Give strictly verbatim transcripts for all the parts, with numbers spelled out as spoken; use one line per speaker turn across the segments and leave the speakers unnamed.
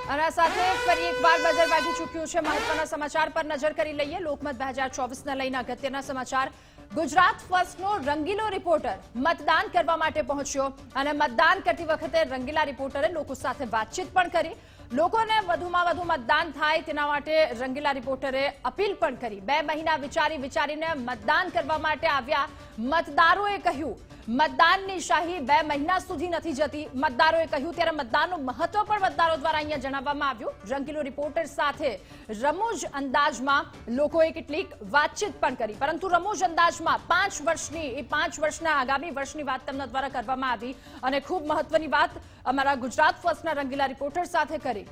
અને આ સાથે ફરી એકવાર બજાર વાગી ચૂક્યું છે। મહત્વના સમાચાર પર નજર કરી લઈએ। લોકમત બે હજાર ચોવીસને લઈને અગત્યના સમાચાર। ગુજરાત ફર્સ્ટનો રંગીલો રિપોર્ટર મતદાન કરવા માટે પહોંચ્યો અને મતદાન કરતી વખતે રંગીલા રિપોર્ટરે લોકો સાથે વાતચીત પણ કરી। લોકોને વધુમાં વધુ મતદાન થાય તેના માટે રંગીલા રિપોર્ટરે અપીલ પણ કરી। બે મહિના વિચારી વિચારીને મતદાન કરવા માટે આવ્યા મતદારોએ કહ્યું મતદાનની શાહી બે મહિના સુધી નથી જતી, મતદારોએ કહ્યું। ત્યારે મતદાનનું મહત્વ પણ મતદારો દ્વારા અહીંયા જણાવવામાં આવ્યું। રંગીલો રિપોર્ટર સાથે રમૂજ અંદાજમાં લોકોએ કેટલીક વાતચીત પણ કરી, પરંતુ રમૂજ અંદાજમાં પાંચ વર્ષની એ પાંચ વર્ષના આગામી વર્ષની વાત તેમના દ્વારા કરવામાં આવી અને ખૂબ મહત્વની વાત અમારા ગુજરાત ફર્સ્ટના રંગીલા રિપોર્ટર સાથે કરી।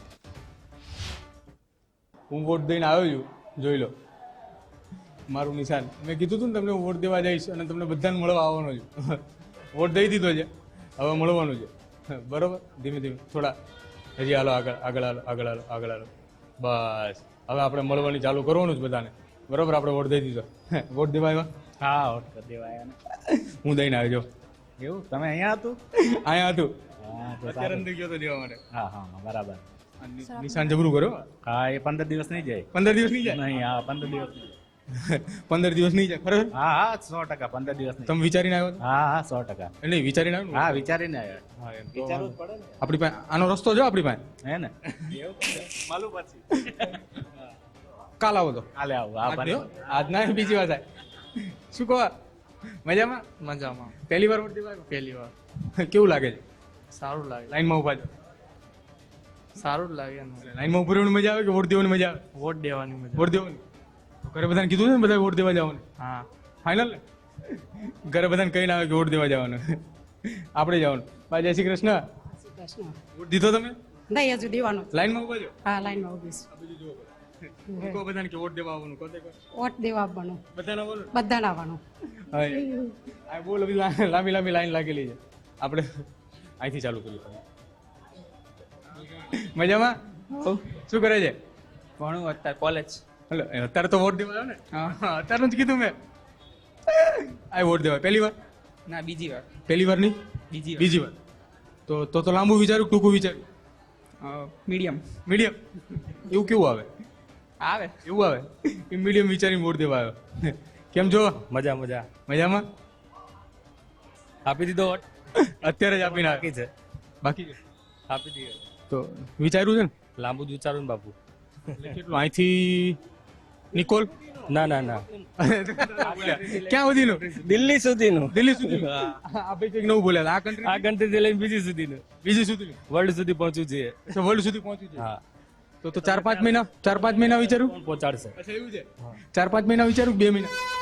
હું વોટ દઈને આવ્યો છું, જોઈ લો મારું નિશાન। મેં કીધું હતું ને તમને વોટ દેવા જઈશ અને તમને બધાને મળવા આવવાનો છું। વોટ દઈ દીધો છે, હવે મળવાનું છે, બરોબર। ધીમે ધીમે થોડા હજી હાલો, આગળ આગળ હાલો, આગળ હાલો, આગળ હાલો, બસ હવે આપણે મળવાની ચાલુ કરવાનું જ બધાને, બરોબર। આપણે વોટ દઈ દીધો। વોટ દેવા આવ્યા?
હા, વોટ કરી દેવા આવ્યા।
હું દઈને આવ્યો।
એવું તમે અહીંયા હતું?
અહીંયા હતું,
હા તો
અત્યારે અંદર ગયો તો દેવા માટે।
હા હા બરાબર।
નિશાન જબરું કરો।
હા, એ પંદર દિવસ નહીં જાય।
પંદર દિવસ નહીં જાય?
નહીં, હા પંદર દિવસ નહીં જાય।
પંદર દિવસ નહીં જાય ખરેખર?
હા હા સો ટકા પંદર દિવસ નહીં।
તમે વિચારીને આવ્યો?
હા હા સો ટકા।
નહીં વિચારીને આવ્યો?
હા વિચારીને આવ્યા।
હા, એમ તો
વિચારવું જ પડે ને,
આપણી પાસે આનો રસ્તો જો, આપણી પાસે
હે ને? માલું પછી
કાલ આવો તો
કાલે આવું। હા
આજ
ભલે।
નહીં હો, આજ ના બીજી વાત થાય। શું કહો, મજામાં?
મજામાં।
પહેલી વાર વોટ દેવા આવ્યો?
પહેલી વાર
કેવું લાગે છે?
સારું લાગે,
લાઈનમાં ઉભા છો,
સારું જ લાગે ને।
લાઈનમાં ઉભી રહેવાની મજા આવે કે વોટ દેવાની મજા આવે?
વોટ દેવાની મજા।
વોટ દેવાની તો ઘરે બધાને કીધું છે ને, બધા વોટ દેવા જવાનું
હા,
ફાઇનલ ને? ઘરે બધાને કહીને આવે કે વોટ દેવા જવાનું, આપણે જવાનું। બા જય શ્રી કૃષ્ણ।
કૃષ્ણ
વોટ દીધો તમે?
નહીં, હજુ દેવાનો.
લાઈનમાં ઉભા છો?
હા, લાઈનમાં ઉભી છું.
આ બીજું જુઓ બધા. કહો બધાને કે વોટ દેવા આવવાનું, કહો તે કહો.
વોટ દેવા આવવાનું,
બધાને આવવાનું?
બધાને આવવાનું.
હા, આ બહુ લાંબી લાંબી લાંબી લાઈન લાગેલી છે, આપણે અહીંથી ચાલુ કરીએ। મજામાં? શું કરે છે?
ભણું અત્યારે કોલેજ।
હલો, અત્યારે તો વોટ દેવા આવ્યો ને? હા, અત્યારે જ કીધું મેં। આ વોટ દેવા પહેલી વાર?
ના, બીજી વાર।
પહેલી વાર નહીં,
બીજી વાર।
બીજી વાર। તો તો તો લાંબુ વિચાર્યું, ટૂંકું વિચાર્યું?
Medium
medium? એવું કેવું આવે?
આવે
એવું આવે એ મીડિયમ વિચારીને વોટ દેવા આવ્યો। કેમ છો?
મજા મજા।
મજામાં?
આપી દીધો વોટ?
અત્યારે જ આપીને
બાકી છે,
બાકી છે?
આપી દીધો।
તો વિચાર્યું છે ને?
લાંબુ જ વિચારું ને બાપુ।
એટલે કેટલું અહીંથી નિકોલ?
ના ના ના,
ક્યાં સુધીનું?
દિલ્હી સુધીનું।
દિલ્હી સુધી? આપણે કંઈક નવું બોલ્યા, આ કન્ટ્રી
આ કન્ટ્રી લઈને બીજી સુધીનું,
બીજી સુધી
વર્લ્ડ સુધી પહોંચવું જોઈએ।
વર્લ્ડ સુધી પહોંચ્યું છે?
હા,
તો તો ચાર પાંચ મહિના ચાર પાંચ મહિના વિચાર્યું?
પહોંચાડશે।
અચ્છા, એવું છે? ચાર પાંચ મહિના વિચાર્યું, બે મહિના?